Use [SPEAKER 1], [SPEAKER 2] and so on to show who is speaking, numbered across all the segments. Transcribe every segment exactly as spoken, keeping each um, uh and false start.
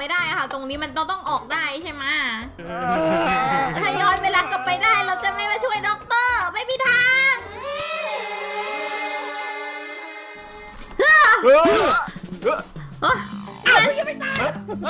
[SPEAKER 1] ไม่ได้ค่ะตรงนี้มันต้องต้องออกได้ใช่ไหมถ้าย้อนเวลากลับไปได้เราจะไม่มาช่วยด็อกเตอร์ไม่มีทาง
[SPEAKER 2] เออเออ
[SPEAKER 1] เอ้าไม่ตาย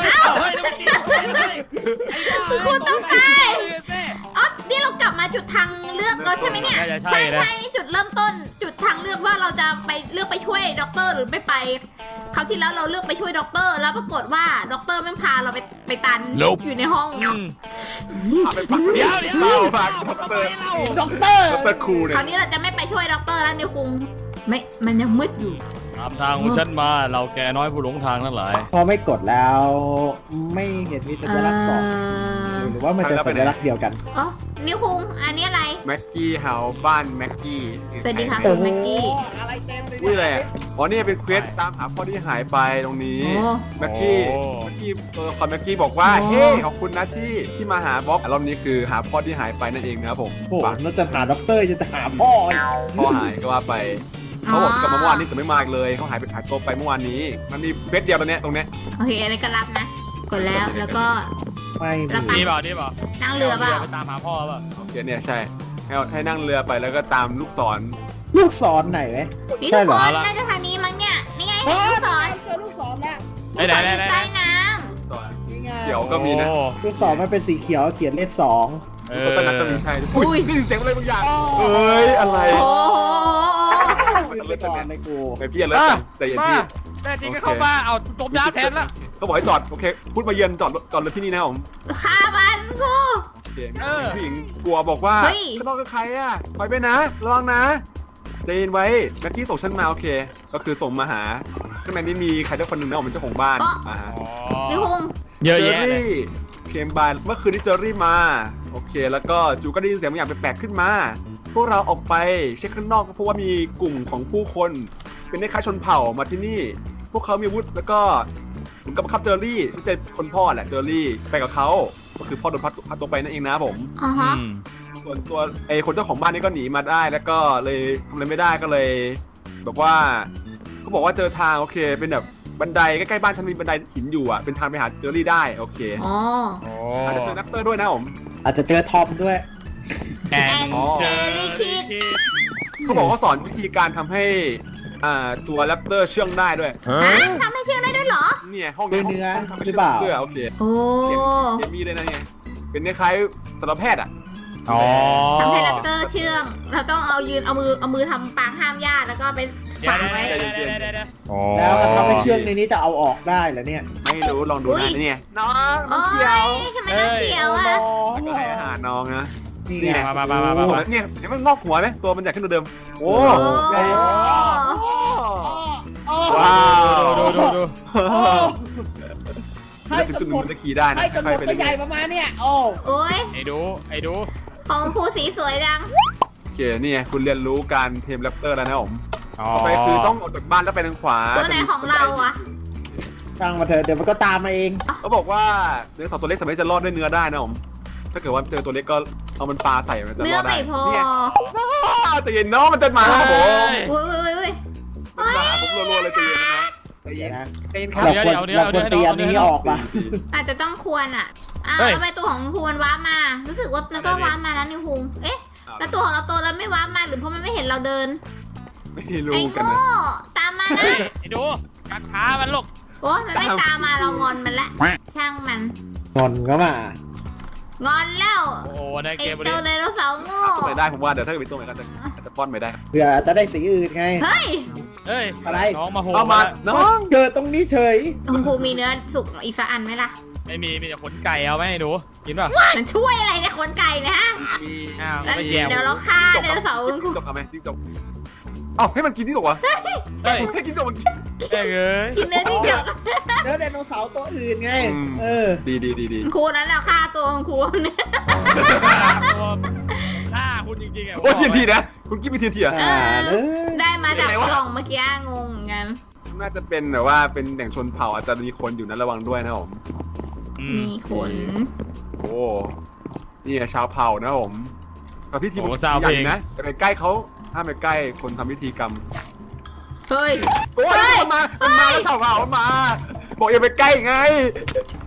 [SPEAKER 1] คุณต้องตายอ๋อนี่เรากลับมาจุดทางเลือกแล้วใช่ไหมเนี่ยใช่ใช่นี่จุดเริ่มต้นจุดทางเลือกว่าเราจะไปเลือกไปช่วยด็อกเตอร์หรือไม่ไปคราวที่แล้วเราเลือกไปช่วยด็อกเตอร์แล้วปรากฏว่าด็อกเตอร์ไม่พาเราไปไปตันอยู่ในห้อง
[SPEAKER 2] เดี๋ยวเดี๋ยวเราฝากด็อกเตอร์ด็อกเตอร์ด็อกเตอร์ครูเนี่ย
[SPEAKER 1] คราวนี้เราจะไม่ไปช่วยด็อกเตอร์แล้วนิวคุงไม่มันยังมืดอยู่
[SPEAKER 3] ตามทางของฉันมาเราแกน้อยผู้หลงทางทั้งหลาย
[SPEAKER 4] พอไม่กดแล้วไม่เห็นมีสัญลักษณ์บอกหรือว่ามันจะสัญลักษณ์เดียวกัน
[SPEAKER 1] อ๋อนิวคุงอันนี้อะไร
[SPEAKER 2] แม็กกี้เฮาบ้านแม็กกี้
[SPEAKER 1] สวัสดีค่ะคุณแม็กกี้
[SPEAKER 2] นี่เลยอ๋อนี่เป็นเควสตามหาพ่อที่หายไปตรงนี้แม็กกี้แม็กกี้เออคอนแม็กกี้บอกว่าเฮ้ขอบคุณนะที่ที่มาหาบ๊อบรอบนี้คือหาพ่อที่หายไปนั่นเองนะครับผม
[SPEAKER 4] โอ้เราจะหาด็อกเตอร์จะหาพ่อ
[SPEAKER 2] พ่อหายก็ว่าไปเขาบอกกลับมาเมื่อวานนี้แต่ไม่มาเลยเขาหายไปหายตัวไปเมื่อวานนี้มันมีเควสเดียวตรงเนี้ยตรงเนี้ย
[SPEAKER 1] โอเคอันนี้ก็รับนะกดแล้วแล้วก็
[SPEAKER 4] ไม่
[SPEAKER 3] นี่เปล่านี่เปล่า
[SPEAKER 1] นั่งเรือเปล่า
[SPEAKER 3] ไปตามหาพ่อเปล่า
[SPEAKER 2] โอเคเนี่ยใช่ให้ให้นั่งเรือไปแล้วก็ตามลูกศร
[SPEAKER 4] ลูกศรไหนไหม
[SPEAKER 1] นี่ทุกคนน่าจะทางนี้มั้งเนี่ยนี่ไงเห็นลูกศร
[SPEAKER 4] เจอลูกศรแล้ว
[SPEAKER 1] ลูกศรอยู่ใต้น้
[SPEAKER 2] ำเขียวก็มีนะ
[SPEAKER 4] ลูกศรมันเป็นสีเขียวเขียนเลขสอง
[SPEAKER 2] เออตอนนั้นก็มีใช่อุ้ยนี่เสียงอะไรบางอย่างเอ้ยอะไร
[SPEAKER 1] โอ้
[SPEAKER 4] ไปก่อนเลยกู
[SPEAKER 2] ไปพี่เลยใจเย็นพี่
[SPEAKER 3] แต่จริงก็เข้ามาเอาตบยาแทนละ
[SPEAKER 2] เขาบอกให้จอดโอเคพูดมาเยือนจอดจอดรถที่นี่นะผม
[SPEAKER 1] ฆ่ามันกู
[SPEAKER 2] ผู้หญิงกลัวบอกว่าข้างนอกก็ใครอ่ะคอยไปนะระวังนะใจเย็นไว้แม็กกี้ส่งฉันมาโอเคก็คือส่งมาหาข้างในนี้มีใครสักคนหนึ่งนะผมเป็นเจ้าของบ้านอ่า
[SPEAKER 1] นิวง
[SPEAKER 3] เยอะแยะ
[SPEAKER 2] เคมบานเมื่อคืนที่เจอรี่มาโอเคแล้วก็จูก็ได้ยินเสียงบางอย่างแปลกๆขึ้นมาพวกเราออกไปเช็คข้างนอกก็เพราะว่ามีกลุ่มของผู้คนเป็นคล้ายชนเผ่ามาที่นี่พวกเขามีอาวุธแล้วก็เหมือนกับคับเจอรี่ที่เป็นคนพ่อแหละเจอรี่ไปกับเขาก็คือพ่อโดนพัดพัดตัวไปนั่นเองนะผม
[SPEAKER 1] อ่าฮะ
[SPEAKER 2] ส่วนตัวไอ้คนเจ้าของบ้านนี่ก็หนีมาได้แล้วก็เลยทำอะไรไม่ได้ก็เลยแบบว่าเขาบอกว่าเจอทางโอเคเป็นแบบบันไดใกล้ๆบ้านฉันมีบันไดหินอยู่อ่ะเป็นทางไปหาเจอรี่ได้โอเค
[SPEAKER 1] อ๋อ
[SPEAKER 2] อาจจะเจอนักเตอร์ด้วยนะผม
[SPEAKER 4] อาจจะเจอทอมด้วย
[SPEAKER 1] แอนเจอรี่คิด
[SPEAKER 2] เขาบอกว่าสอนวิธีการทำให้อ่าตัวแรปเตอร์เชื่องได้ด้วย
[SPEAKER 1] ทำให้เชื่องได้ด้วยเหรอ
[SPEAKER 2] เนี่ยห้อง
[SPEAKER 4] เนื้อหรือเปล่า
[SPEAKER 2] โอเค
[SPEAKER 1] โอ้
[SPEAKER 2] เกมมีเลยนะเนี่ยเป็นคล้ายๆสัตวแพทย์อ่ะ
[SPEAKER 3] อ๋อ
[SPEAKER 1] ทำให้แรปเตอร์เชื่องเราต้องเอายืนเอามือเอามือทำปางห้ามญาติแล้วก็ไปฝังไว้
[SPEAKER 4] แล้วทำให้เชื่องในนี้จะเอาออกได้เหรอเนี่ย
[SPEAKER 2] ไม่รู้ลองดูนะเนี่ยน้องน้องเขียว
[SPEAKER 1] ทำไมน้องเขียวอ่ะ
[SPEAKER 2] แล้วก็ให้อาหารน้องนะ
[SPEAKER 3] นี่มามามามามา
[SPEAKER 2] เนี่ยเห็นมันงอกหัวไหมตัวมันใหญ่ขึ้นเดิมโอ้ว้าว
[SPEAKER 3] ดูดูดู
[SPEAKER 2] ให้ถึงจุดหนึ่งมันจะขี่ได้นะ
[SPEAKER 4] ให้กระโดดใหญ่ประมาณเนี่ยโอ้
[SPEAKER 1] โอ้ย
[SPEAKER 3] ไอ้ดูไอ้ดู
[SPEAKER 1] ของครูสีสวยจัง
[SPEAKER 2] โอเคนี่คุณเรียนรู้การเทมแรปเตอร์แล้วนะผมต่อไปคือต้องออกจากบ้านแล้วไปทางขวา
[SPEAKER 1] ตัวไหนของเราอะ
[SPEAKER 4] ตั้งมาเถอะเดี๋ยวมันก็ตามมาเอง
[SPEAKER 2] เขาบอกว่าเนื้อสัตว์ตัวเล็กสามารถจะรอดด้วยเนื้อได้นะผมถ้าเกิดว่าเจอตัวเล็กก็เอามันปลาใส่มันจะรอดได้
[SPEAKER 1] เนื้อไม่พอ
[SPEAKER 2] แต่เย็นน้องมันจะมาครับผม
[SPEAKER 1] อุ้ยอุ้ยอุ้ย
[SPEAKER 2] มันมาผมรัวๆเลยใจเย็นนะใจเย็นนะ
[SPEAKER 4] ใจเย็นครับเราควรเราควรเตรียมนี้ออกป่ะ
[SPEAKER 1] อาจจะต้องควรอ่ะอ้าวทำไมตัวของครูมันว้ามารู้สึกว่าแล้วก็ว้ามาแล้วนิวคุงเอ๊ะแล้วตัวของเราโตแล้วไม่ว้ามาหรือเพราะมันไม่เห็นเราเดิน
[SPEAKER 2] ไม่รู้
[SPEAKER 1] ไอ้โง่ตามมานะ
[SPEAKER 3] ไอ้ดูกัดขามันลูก
[SPEAKER 1] โอ้ยมันไม่ตามมาเรางอนมันละช่างมัน
[SPEAKER 4] งอนก็ม
[SPEAKER 1] งอนแล้ว
[SPEAKER 3] โอ้ในเกม
[SPEAKER 1] ไอ้เจ้าไดโนเสาร์โง่
[SPEAKER 2] ไม่ได้ผมว่าเดี๋ยวถ้าเกิดเป็นตัวไหนก็จะจะป้อนไม่ได้
[SPEAKER 4] เผื่อจะได้สีอื่นไง
[SPEAKER 1] เฮ้ย
[SPEAKER 3] เฮ้ย
[SPEAKER 4] อะไร
[SPEAKER 3] น้องมาโห
[SPEAKER 2] มาน้อง
[SPEAKER 4] เกิดตรงนี้เฉย
[SPEAKER 1] คุณครูมีเนื้อสุกอีกสักอันไหมล่ะ
[SPEAKER 3] ไม่มีมีแต่ขนไก่เอาไหมดูกินป่ะ
[SPEAKER 1] มันช่วยอะไรในขนไก่นะฮะ
[SPEAKER 2] มี
[SPEAKER 3] อ้าวไม่แย่
[SPEAKER 1] เดี๋ยวเราฆ่าไดโนเสาร์คุณครู
[SPEAKER 2] จบเอาไหมจิ้งจกเอ้าให้มันกินที่จกวะเฮ้ยให้กินจกมันกิน
[SPEAKER 3] แย่เอ้ย
[SPEAKER 1] กินเนื้อจิ้งจก
[SPEAKER 4] เนื้อไดโนเสาร์ตัวอื่นไงเออ
[SPEAKER 2] ดีดีดีดี
[SPEAKER 1] ครูนั้นเราฆ่าตัวครูเนี่ย
[SPEAKER 3] ฆ่าคุณจริงๆอ่ะ
[SPEAKER 2] โอ้ทีทีนะคุณกิ๊บมีทีทีอ่ะ
[SPEAKER 1] ได้มาจากกล่องเมื่อกี้งงกัน
[SPEAKER 2] น่าจะเป็นแบบว่าเป็นแหล่งชนเผ่าอาจจะมีคนอยู่นะระวังด้วยนะผม
[SPEAKER 1] มีคน
[SPEAKER 2] โอ้นี่ชาวเผ่านะผมกับพิธีใหญ่นะจะไปใกล้เขาห้ามไปใกล้คนทำพิธีกรรม
[SPEAKER 1] เฮ้ย
[SPEAKER 2] โอ้ยมามันมาชาวเผ่ามาบอกอย่าไปใกล้ไง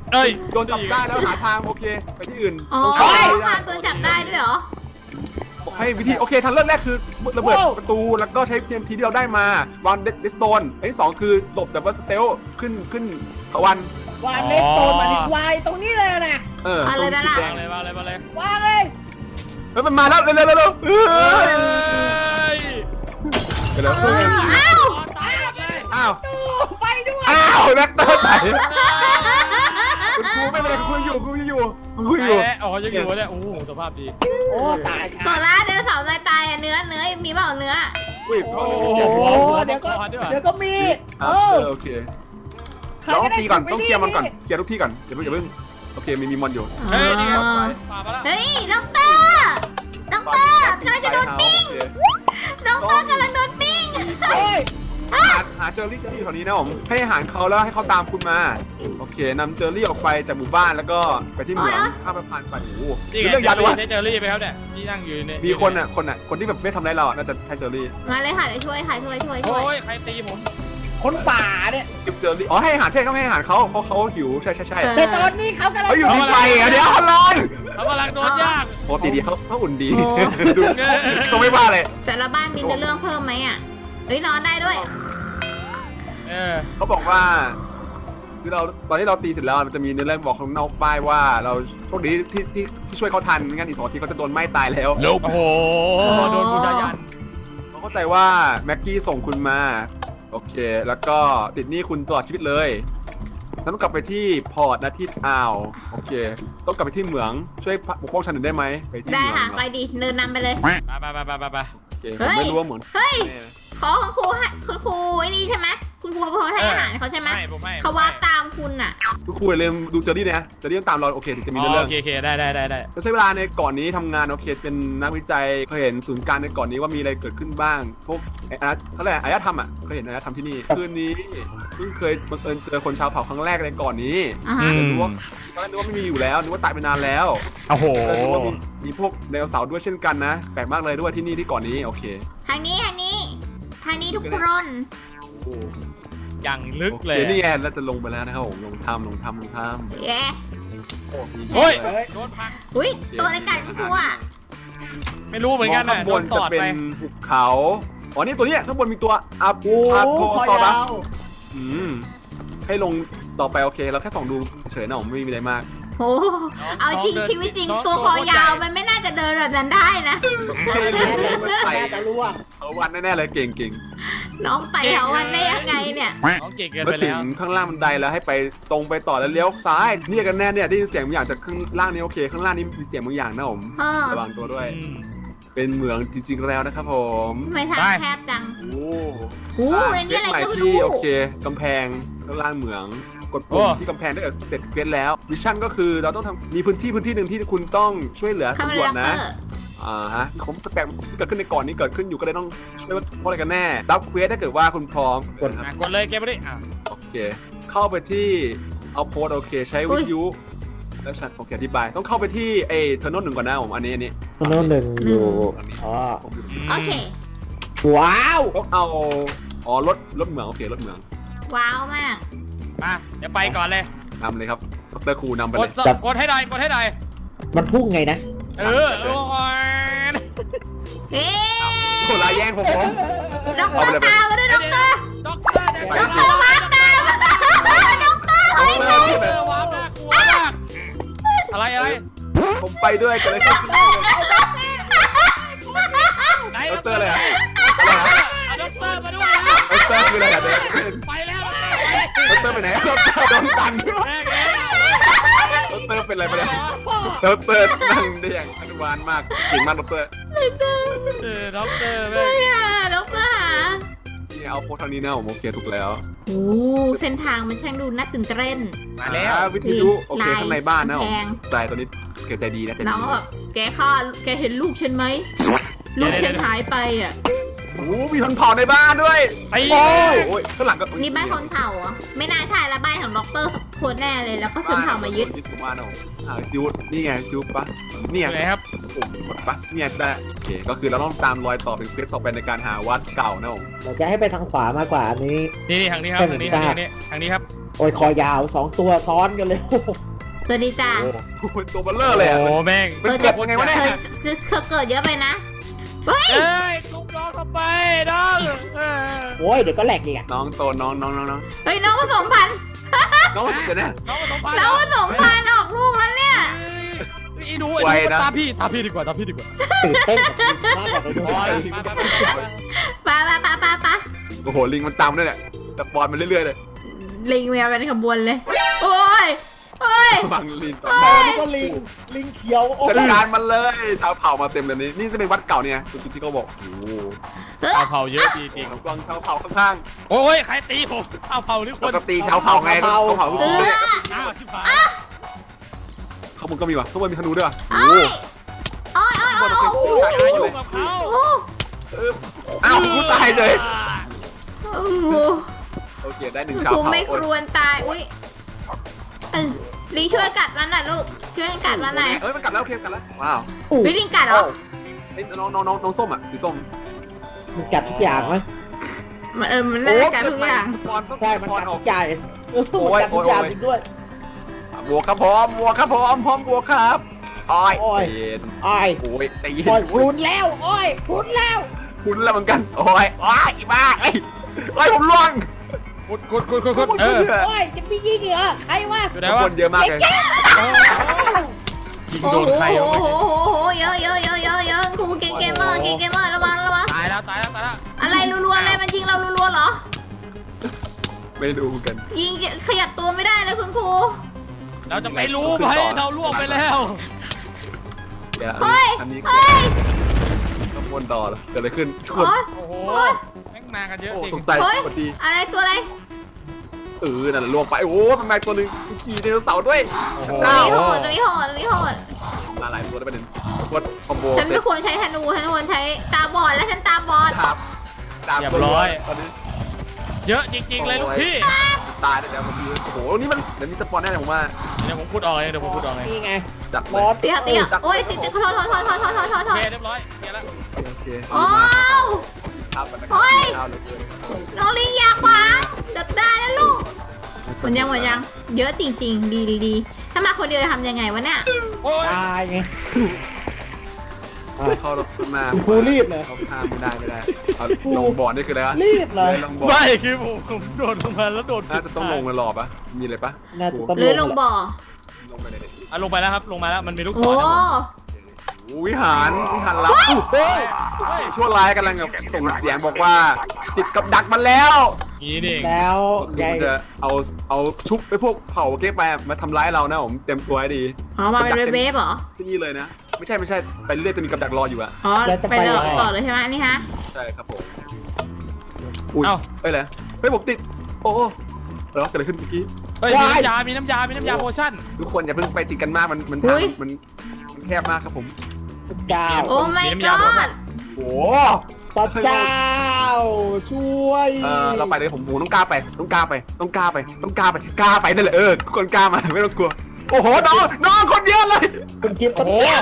[SPEAKER 3] เอ้ย
[SPEAKER 2] โดนจับได้แล้วหาทางโอเคไปที่อื่น
[SPEAKER 1] อ๋อ
[SPEAKER 2] ต้องเข้าไป
[SPEAKER 1] พาตัวจับได้ด้วยเหรอ
[SPEAKER 2] บอกให้วิธีโอเคทางเลือกแรกคือระเบิดประตูแล้วก็ใช้เทียมทีที่เราได้มาวางเดสโตนอันที่สองคือหลบแบบว่าสเตลขึ้นขึ้นตะวัน
[SPEAKER 4] วางเลสโตนมาดิวายตรงนี้เลยนะ
[SPEAKER 2] เออ
[SPEAKER 1] เอาเลยนะล่ะ
[SPEAKER 2] แด
[SPEAKER 3] มาง เลยมาเลยมาเลย
[SPEAKER 4] วางเลย
[SPEAKER 2] เฮ้ยมันมาแล้วเร็วเร็วเร็วเร็วเฮ้ยเดี๋ยว
[SPEAKER 1] เอออ้าว
[SPEAKER 3] ตายหมดเลย
[SPEAKER 2] อ้าว
[SPEAKER 4] ไปด้วย
[SPEAKER 2] อ้าวแม็กเตอร์ไหนคุณครูไม่เป็นไรคุณครูอยู่คุณครูอยู่คุณครูอยู่
[SPEAKER 3] ตายแล้วอ๋อยังอยู่เนี่ยโอ้โหสภาพดี
[SPEAKER 4] โอ้ตาย
[SPEAKER 1] โซล่าเดินเสาร์ตายตายอะเนื้อเนื้อมีเปล่าเนื้อ
[SPEAKER 2] อุ้ย
[SPEAKER 3] โอ้
[SPEAKER 2] โอ้
[SPEAKER 3] โห
[SPEAKER 2] โห
[SPEAKER 4] เดี๋ยวก็
[SPEAKER 3] หัวมังกรด้วยว่ะ
[SPEAKER 4] เดี๋ยวก็มี
[SPEAKER 2] เอ
[SPEAKER 4] เอ
[SPEAKER 2] อ
[SPEAKER 4] อ
[SPEAKER 2] โอเคเราต้องตีก่อนต้องเคลียร์มันก่อนเคลียร์ทุกที่ก่อนอย่าเพิ่งอย่าเพิ่งโอเคมีมีมอนอยู่
[SPEAKER 3] เฮ้ยนี่ไง
[SPEAKER 1] อ๋อ
[SPEAKER 3] มามาแล้ว
[SPEAKER 1] เฮ้ยด็อกเตอร์ด็อกเตอร์กำลังจะโดนปิ้งด็อกเตอร์กำลังโดนปิ้ง
[SPEAKER 4] โอ้ย
[SPEAKER 2] หาหาเจอรี่เจอรี่แถวนี้นะผมให้อาหารเขาแล้วให้เขาตามคุณมาโอเคนำเจอรี่ออกไปจากหมู่บ้านแล้วก็ไปที่เหมืองข้ามสะพานไปโอ้โห
[SPEAKER 3] นี่
[SPEAKER 2] คือ
[SPEAKER 3] ไง
[SPEAKER 2] เรื่องยาวเลยวะ
[SPEAKER 3] ได้เจอรี่ไปครับเนี่ยที่นั่งอยู่เนี่ย
[SPEAKER 2] มีคนอ่ะคนอ่ะคนที่แบบไม่ทำร้ายเราอ่ะน่าจะใช่เจอรี่
[SPEAKER 1] มาเลยค่ะเดี๋ยวช่วยค่ะช่วยช่วยช่
[SPEAKER 3] โอ้
[SPEAKER 1] วย
[SPEAKER 3] ยใครตีผม
[SPEAKER 4] คนป่าเนี่ย
[SPEAKER 2] เก็บเจอรี่อ๋อให้อาหารใช่ต้องให้อาหารเขาเพราะเขาหิวใช่ใช่ใช่
[SPEAKER 4] แต่ตอนนี้เขากำลัง
[SPEAKER 2] เขาอยู่ที่ไฟอ่ะเดี๋ยวเขาร้อน
[SPEAKER 3] เขากำลังโดนย่าง
[SPEAKER 2] ปกติดีเขาเขาอุ่นดีดูเขาไม่ว่าเลย
[SPEAKER 1] แต่ละบ้านมีเนื้อเรื่องเพิ่มไหมอ่ะเอ้ยนอนได้ด้วย
[SPEAKER 3] เออ
[SPEAKER 2] เขาบอกว่าคือเราตอนที่เราตีเสร็จแล้วมันจะมีเนื้อเรื่องบอกข้างนอกป้ายว่าเราโชคดีที่ที่ที่ช่วยเขาทันไม่งั้นอีกสองนาทีเขาจะโดนไหม้ตายแล้ว
[SPEAKER 3] โอ้โหโดนบูชายัน
[SPEAKER 2] เขาเข้าใจว่าแม็กกี้ส่งคุณมาโอเค แล้วก็ติดหนี้คุณตลอดชีวิตเลยต้องกลับไปที่พอร์ตนะที่อ่าวโอเค ต้องกลับไปที่เหมืองช่วยปกป้องฉันหน่อยได้ไหมไปที่
[SPEAKER 1] ได้
[SPEAKER 2] เหมือง
[SPEAKER 1] ค่ะ
[SPEAKER 2] เหรอ
[SPEAKER 1] ไปดิเดินนำไปเลย
[SPEAKER 3] ไปไปไปไปไป
[SPEAKER 2] โอเคผมไม่รู้ว่าเหมือง
[SPEAKER 1] เฮ้ย
[SPEAKER 2] แน่นะ
[SPEAKER 1] ขอคุณครูให้คุณครูไอ้นี่ใช่ไหมคุณครูเขาให้อาหารเขาใช่ไหม
[SPEAKER 3] ไม่ผมไม่
[SPEAKER 1] เขาว่าตามคุณอ่ะ
[SPEAKER 2] ทุกคนอย่าลืมดูเจอรี่นะเจอรี่ต้องตามเราโอเคถึงจะมี
[SPEAKER 3] อ๋
[SPEAKER 2] เนื้อ
[SPEAKER 3] อ
[SPEAKER 2] เรื่อ
[SPEAKER 3] โอง เคโอเคได้ได้ได้ได้
[SPEAKER 2] เราใช้เวลาในเก่อนนี้ทำงานโอเคเป็นนักวิจัยเคยเห็นศูนย์กลางในเก่อนนี้ว่ามีอะไรเกิดขึ้นบ้างพวกไอ้อาร์ตเขาเรียกอะไรอารยธรรมอ่ะเคยเห็นอารยธรรมที่นี่คืนนี้เพิ่งเคยบังเอิญเจอคนชาวเผ่าครั้งแรกในก่อนนี้
[SPEAKER 1] อ่าฮะ
[SPEAKER 2] นึกว่าตอนแรกนึกว่าไม่มีอยู่แล้วนึกว่าตายไปนานแล้ว
[SPEAKER 3] โอ้โห
[SPEAKER 2] เออนึกว่ามีมีพวกไดโนเสาร์ด้วยเช่นกันนะแปลกมากเลยด้วยที่นี่ที่ก่อนนี้โอเค
[SPEAKER 1] ทางนี้ทางนี้ทางนี้ทุกคน
[SPEAKER 3] อย่างลึก
[SPEAKER 2] โอเค
[SPEAKER 3] เลย
[SPEAKER 2] นี่ไงเราจะลงไปแล้วนะครับผมลงถ้ำลงถ้ำลงถ้
[SPEAKER 1] เย้
[SPEAKER 2] ำโอ้มี
[SPEAKER 3] โอ้ย
[SPEAKER 2] เฮ้ย
[SPEAKER 3] โดนพัง
[SPEAKER 1] อุ้ยตัวอะไรกัดคุณครูอ่ะ
[SPEAKER 3] ไม่รู้เหมือนกัน
[SPEAKER 2] ข้า
[SPEAKER 3] นะ
[SPEAKER 2] ง
[SPEAKER 3] โด
[SPEAKER 2] บ
[SPEAKER 3] น
[SPEAKER 2] น
[SPEAKER 3] ต
[SPEAKER 2] จะ
[SPEAKER 3] อด
[SPEAKER 2] เป็น
[SPEAKER 3] ไป
[SPEAKER 2] ภูเขาอ๋อนี่ตัวเนี้ยข้างบนมีตัวอา
[SPEAKER 4] โอ้
[SPEAKER 2] อาโท
[SPEAKER 4] คอ
[SPEAKER 2] ซอรั
[SPEAKER 4] ยา
[SPEAKER 2] ส
[SPEAKER 4] ว
[SPEAKER 2] อืมให้ลงต่อไปโอเคเราแค่ส่องดูเฉยๆนะผมไม่มีอะไรมาก
[SPEAKER 1] โอ้เอาจริงชีวิตจริงตัวคอยาวมันไม่น่าจะเดินแบบนั้นได้นะ
[SPEAKER 2] ไม่รู้มันไต่
[SPEAKER 4] น่าจะร่วง
[SPEAKER 2] เอาวันแน่ๆเลยเก่งเก่ง
[SPEAKER 1] น้องไปแถววันได้ยังไงเนี่ย
[SPEAKER 3] น้องเก่งเกิน
[SPEAKER 2] มา
[SPEAKER 3] ไป
[SPEAKER 2] ถึ
[SPEAKER 3] แล้
[SPEAKER 2] ง
[SPEAKER 3] ว
[SPEAKER 2] ข้างล่างบันไดแล้วให้ไปตรงไปต่อแล้วเลี้ยวซ้ายเนี่ยกันแน่เนี่ยได้ยินเสียงบางอย่างจากข้างล่างนี้โอเค ข้างล่างนี้มีเสียงบางอย่างนะผม
[SPEAKER 1] เออ
[SPEAKER 2] ระวังตัวด้วย
[SPEAKER 3] อืม
[SPEAKER 2] เป็นเหมืองจริงๆแล้วนะครับผม
[SPEAKER 1] ทำไมทาง
[SPEAKER 3] ไป
[SPEAKER 1] แคบจัง
[SPEAKER 2] โอ้
[SPEAKER 1] โอ้ในนี้อะไรก็ไม่รู้
[SPEAKER 2] ที่โอเคกำแพงข้างล่างเหมืองกดปุ่มที่กำแพงได้เสร็จเกรดแล้วมิชชั่นก็คือเราต้องทำมีพื้นที่พื้นที่หนึ่งที่คุณต้องช่วยเหลือ
[SPEAKER 1] คาเม
[SPEAKER 2] ตำรว
[SPEAKER 1] รา
[SPEAKER 2] จ
[SPEAKER 1] เต
[SPEAKER 2] นะ
[SPEAKER 1] อร์
[SPEAKER 2] อ่าฮะของแปลกๆที่เกิดขึ้นในก่อนนี้เกิดขึ้นอยู่ก็เลยต้องช่วยว่าเพราะอะไรกันแน่รับเควสถ้าเกิดว่าคุณพร้อมกด
[SPEAKER 3] อ่ะกดเลยเก็บไปดิอ่ะ
[SPEAKER 2] โอเค เข้าไปที่เอาโพสโอเค ใช้วิทยุแล้วฉันโอเคอธิบายต้องเข้าไปที่ไอ้เทอร์โนหนึ่งก่อนนะผมอันนี้อันนี้
[SPEAKER 4] โน้นหนึ่งอยู่อ๋อ
[SPEAKER 1] โอเค
[SPEAKER 4] ว้าว
[SPEAKER 2] ต้องเอาอ๋อรถรถเหมืองโอเครถเหมือง
[SPEAKER 1] ว้าวมาก
[SPEAKER 3] มาเดี๋ยวไปก่อนเลย
[SPEAKER 2] นำเลยครับดรครูนำไป
[SPEAKER 3] ก
[SPEAKER 2] เล
[SPEAKER 3] ด
[SPEAKER 2] ย
[SPEAKER 3] สกดให้หน่อยกดให้หน่อย
[SPEAKER 4] มันพุ่งไงนะ
[SPEAKER 3] เออโอ้ย
[SPEAKER 1] เฮ้
[SPEAKER 2] โหลายแย่งผมผม
[SPEAKER 1] ด็อกเตอร์ตามมาด้วยด็อกเตอร์
[SPEAKER 3] ด็อกเตอร์
[SPEAKER 1] ด็อกเตอร์มาตามด็อกเตอร์เฮ้ย
[SPEAKER 2] เอ
[SPEAKER 1] เฮ้
[SPEAKER 2] อย ที่แบบ
[SPEAKER 3] ว้าวน่ากลัวมากอะไรอะไร
[SPEAKER 2] ผมไปด้วยกันเลยครับ
[SPEAKER 3] ไหน
[SPEAKER 2] ดรอะไรอะ
[SPEAKER 3] เอาด็อกเตอร์มาด้วยนะ
[SPEAKER 2] ดรคืออะไรอะ
[SPEAKER 3] ไปแล้ว
[SPEAKER 2] ดรไปไหนดรโดนตัน
[SPEAKER 3] แม่งเลย
[SPEAKER 2] ดรเป็นอะไรไปแล้วดรนั่งได้อย่างอนุบาลมากเก่งมากดร
[SPEAKER 3] เออด็อกเตอร์แม่ง
[SPEAKER 1] เฮ้ยอะด็อกเตอร์หา
[SPEAKER 2] นี่เอาโพสทางนี้นะผมโอเคถูกแล้ว
[SPEAKER 1] โอ้เส้นทางมันช่างดูน่าตื่นเต้น
[SPEAKER 3] มาแล้ว
[SPEAKER 2] อ่าวิทยุโอเค
[SPEAKER 1] ลาย
[SPEAKER 2] ข้างในบ้านนะผม
[SPEAKER 1] กำแพง
[SPEAKER 2] ใจตัวนี้เกใจดีนะใจ
[SPEAKER 1] น้
[SPEAKER 2] ดี
[SPEAKER 1] องก็แบบแกฆ่าแกเห็นลูกฉันไหม ลูกฉันหายไปอ่ะ
[SPEAKER 2] โอ้โหมีคนเผาในบ้านด้วย
[SPEAKER 3] ไอ้
[SPEAKER 2] โอ้ยโอ้ยข้างหลังก็
[SPEAKER 1] นี่บ้านคนเผ่าเหรอ ไม่น่าใช่ละบ้านของด็อกเตอร์คนแน่เลยแล้วก็ชนเผ่ามายึด
[SPEAKER 2] ยึดผมมาเนาะอ่าจูดนี่ไงจูดปะเนี่ย
[SPEAKER 3] ไงครับ
[SPEAKER 2] ปุ่มกดปะเนี่ยได้โอเคก็คือเราต้องตามรอยต่อเป็นเควสต่อไปในการหาวัดเก่านะผม
[SPEAKER 4] เราจะให้ไปทางขวามากกว่าอันนี้
[SPEAKER 3] นี่นี่ทางนี้ครับทางนี้ทางนี้ทางนี้ครับ
[SPEAKER 4] โอ้ยคอยาวสองตัวซ้อนกันเลย
[SPEAKER 1] สวัสดีจ้า
[SPEAKER 2] โอ้โหตัวเบลเลอร์เลยอะ
[SPEAKER 3] โอ้แม่ง
[SPEAKER 2] มันเกิดยังไงวะเนี่ย
[SPEAKER 1] เคยซื้อเคยเกิดเยอะไปนะเฮ้ย
[SPEAKER 3] เอ้ยลูกน้องเข้าไปน้องเออ
[SPEAKER 4] โอ้ยเดี๋ยวก็แหลกอีกอ่ะ
[SPEAKER 2] น้องโตน้องน้องน้องน้อง
[SPEAKER 1] เฮ้ยน้องผสมพันธุ์
[SPEAKER 2] น้องเดี๋ยวนะ
[SPEAKER 3] น้องมาสองพัน
[SPEAKER 1] น้องผสมพันธุ์ออกลูกแล้วเนี่ย
[SPEAKER 3] ไอ้หนูไอ้หนูตามพี่ตามพี่ดีกว่าตามพี่ดีกว่า
[SPEAKER 4] ตื่นเต้นกับมากกว่าไปดู
[SPEAKER 3] พอแล้ว
[SPEAKER 1] ปะปะปะปะปะ
[SPEAKER 2] โอ้โหลิงมันตามด้วยเนี่ยแต่ปอนมันเรื่อยๆเลย
[SPEAKER 1] ลิงเมียเป็นขบวนเลย โอ้ยโอ้ย
[SPEAKER 2] บังลิงต่อ
[SPEAKER 1] เฮ้ย
[SPEAKER 4] ก็ลิงลิงเขียวโอ้
[SPEAKER 2] จัด
[SPEAKER 4] ย
[SPEAKER 2] การมันเลยชาวเผ่ามาเต็มเลยนี่นี่จะเป็นวัดเก่าเนี่ยจุดที่เขาบอกโอ้โห
[SPEAKER 3] เอาเผาเยอะจริง
[SPEAKER 2] ของกองชาวเผ่าข้าง
[SPEAKER 3] ๆโอ้ยใครตีผมเอาเผาหรือ
[SPEAKER 2] ๆ
[SPEAKER 3] ค
[SPEAKER 2] ป
[SPEAKER 3] น
[SPEAKER 2] กติชาวเผ่าไงชาวเผ่า
[SPEAKER 1] เออ
[SPEAKER 3] อ้าวชิบหาย
[SPEAKER 2] ข้างบนก็มีว่ะข้างบนมีธนูด้วยว่ะ
[SPEAKER 1] โอ้ยโอ้ยโอ้ยโอ้ยโอ้ย
[SPEAKER 3] อย่าอยู่กับเขา
[SPEAKER 1] โอ้ย
[SPEAKER 2] เอออ้าวกูตายเลย
[SPEAKER 1] โอ้โห
[SPEAKER 2] โอเคได้หนึ่งชาว
[SPEAKER 1] กู
[SPEAKER 2] เผ่า
[SPEAKER 1] ไม่ครวรตาย อุ้ยเออลิงช่วยกัดมันหน่อยลูก ช่วยกัดมันหน่อย
[SPEAKER 2] เอ้ยมันกัดแล้วโอเคกัดแล้วว้าว
[SPEAKER 1] วิลิงกัดเหรอ
[SPEAKER 2] ไอ้น้องน้องน้องน้องส้มอ่ะสีส้ม
[SPEAKER 4] มันกัดทุกอย่างไหม
[SPEAKER 1] มันเออ มันน่าจะกัดทุกอย่าง
[SPEAKER 2] ปอนต้อง
[SPEAKER 4] ใช่มัน
[SPEAKER 2] ปอน
[SPEAKER 4] กัด
[SPEAKER 2] ออ
[SPEAKER 4] ทุ
[SPEAKER 2] ก
[SPEAKER 4] กอย่างเออมันกัดทุกอย่างจริงด้วย
[SPEAKER 2] บวกครับพร้อมบวกครับพร้อมพร้อมบวกครับอ้อย
[SPEAKER 4] โอ้ย
[SPEAKER 2] เย็น
[SPEAKER 4] โอ้ย
[SPEAKER 2] โอ้ยตี
[SPEAKER 4] โอ้ยพรุนแล้วโอ้ยพรุนแล้ว
[SPEAKER 2] คุณแล้วเหมือนกันโอ้ยอ้ายอีบ้าไอ้ไอ้ยผมล่วง
[SPEAKER 3] กดกดกดกดกดเออ
[SPEAKER 4] โอ้ยจะมียิงเหรอใครวะ
[SPEAKER 3] อยู่ไหน
[SPEAKER 2] ทุก
[SPEAKER 3] วะ
[SPEAKER 2] คนเยอะมากเลย
[SPEAKER 3] ยิง
[SPEAKER 1] โอ้
[SPEAKER 3] โดน
[SPEAKER 1] โห
[SPEAKER 3] ใคร
[SPEAKER 1] โอ้
[SPEAKER 3] วะ
[SPEAKER 1] โหโอ้โหเยอะเยอะเยอะเยอะเยอะกูเก่งเกมเมอร์เก่งเกมเมอร์ระวังระวัง
[SPEAKER 3] ตายแล้วตายแล้วตายแล้ว
[SPEAKER 1] อะไรรัวๆเลยมันยิงเรารัวๆเหรอ
[SPEAKER 2] ไม่ดูกัน
[SPEAKER 1] ยิงขยับตัวไม่ได้เลยคุณครู
[SPEAKER 3] เราจะไม่รู้ไหมเราล่วงไปแล้ว
[SPEAKER 2] เดี๋ยว
[SPEAKER 1] เฮ้ย
[SPEAKER 2] อันนี้
[SPEAKER 1] เฮ้ย
[SPEAKER 2] ต้องวนต่อเหรอเกิดอะไรขึ้นชน
[SPEAKER 1] โอ้ย
[SPEAKER 3] โอ้โหแม่งมากันเยอะ
[SPEAKER 2] โอ้
[SPEAKER 3] จริง
[SPEAKER 2] สงสัย
[SPEAKER 1] เฮ้ย
[SPEAKER 2] พอดี
[SPEAKER 1] อะไรตัวอะไร
[SPEAKER 2] เออนั่นแหละล่วงไปโอ้โหมันมาตัวหนึงขี่ไดโนเสาร์ด้วย
[SPEAKER 3] โอ้โห
[SPEAKER 1] ตัวนี้โหดตัวนี้โหดตัวนี้โหด
[SPEAKER 2] มาหลายตัวได้ประเด็นกดคอมโบ
[SPEAKER 1] ฉันไม่ควรใช้ธนูฉันควรใช้ตาบอดและฉันตาบอด
[SPEAKER 2] ครับตาม
[SPEAKER 3] เรียบร้อย
[SPEAKER 2] ตอนนี้
[SPEAKER 3] เยอะจริงๆเลยลูกพี่
[SPEAKER 2] ตายแล้วเดี๋ยวผมดูโอ้โหนี่มันเดี๋ยวมีสปอนแน่เลยผมว่า
[SPEAKER 3] เดี๋ยวผมพูดออกเลยเดี๋ยวผมพูดออกเลย
[SPEAKER 4] นี่ไง
[SPEAKER 2] จับ
[SPEAKER 4] ม
[SPEAKER 2] เล
[SPEAKER 4] อย ส
[SPEAKER 1] เตี้ยเตี้ยโอ้ยติดติดขอโทษขอโทษขอโทษขอโทษขอโท
[SPEAKER 3] โอ
[SPEAKER 1] ษ
[SPEAKER 3] เคเรียบร้อยเดี๋ยวแล้ว
[SPEAKER 2] โอเค
[SPEAKER 1] โอ้
[SPEAKER 2] ครับมันนะครับ
[SPEAKER 1] โอ้ย
[SPEAKER 2] ข้าวเหลือเกิน
[SPEAKER 1] น้องลิงอยากขวางเดือบได้นะลูกหมดยังหมดยังเยอะจริง ๆ ดีดีดีถ้ามาคนเดียวจะทำยังไงวะเนี่ย
[SPEAKER 3] โอ้ย
[SPEAKER 4] ตายไง
[SPEAKER 2] เข้ารถขึ้นมา
[SPEAKER 4] คุณครูรีบเลย
[SPEAKER 2] เขาข้ามไม่ได้ไม่ได้เอาลงบ่อนี่คืออะไรวะ
[SPEAKER 4] รีบเลย
[SPEAKER 2] ลงบ่อ
[SPEAKER 3] ไม่คือผมผมโดดลงมาแล้วโดด
[SPEAKER 2] น่าจะต้องลงไปหลอบปะมีอะไรปะ
[SPEAKER 4] น่าจะต้อง
[SPEAKER 1] หรือลงบ่อ
[SPEAKER 2] ลงไปเลยดิ
[SPEAKER 3] อ่ะลงไปแล้วครับลงมาแล้วมันมีลูกศ
[SPEAKER 1] โอ้
[SPEAKER 3] รนะผม
[SPEAKER 2] โอ้วิหารวิหารลับเฮ้ยชั่วร้ายกำลังแบบส่งเสียงบอกว่า ติดกับดักมันแล้ว
[SPEAKER 3] นี่นี่เอง
[SPEAKER 4] แล้ว
[SPEAKER 2] เดี๋
[SPEAKER 4] ยา
[SPEAKER 2] วย มันจะเอาเอาชุบไปพวกเผาเก๊กไปมาทำร้ายเรานะผมเต็มตัวให้ดี
[SPEAKER 1] อ๋อมาเป็นเวฟๆเหรอ
[SPEAKER 2] ที่นี่เลยนะ ไม่ใช่ไม่ใช่ไปเรื่อยจะมีกับดักรออยู่อะ
[SPEAKER 1] อ๋อไปเลยต่อเลยใช่ไหมนี่ฮะ
[SPEAKER 2] ใช่ครับผมอุ้ยเอ้ยอะไรเฮ้ยผมติดโอ้เออเกิดอะไรขึ้นเมื่อกี้
[SPEAKER 3] เฮ้ยมีน้ำยา มีน้ำยา มีน้ำยาโพชั่น
[SPEAKER 2] ทุกคนอย่าเพิ่งไปติดกันมากมันมัน
[SPEAKER 1] อุ๊ย
[SPEAKER 2] มันมันแคบมากครับผม
[SPEAKER 4] เจ้า
[SPEAKER 1] โอ้ my
[SPEAKER 3] มีน้ำยาหมด
[SPEAKER 1] god
[SPEAKER 2] โอ้
[SPEAKER 4] พระเจ้าช่วย
[SPEAKER 2] เออเราไปเลยผมผมต้องกล้าไปต้องกล้าไปต้องกล้าไปต้องกล้าไปกล้าไปนั่นแหละเออทุกคนกล้ามาไม่ต้องกลัวโอ้โหน้องน้องคนเยอะเลย
[SPEAKER 4] คุณคิด
[SPEAKER 3] โอ้
[SPEAKER 4] ปะ
[SPEAKER 3] โห
[SPEAKER 4] เนี่ย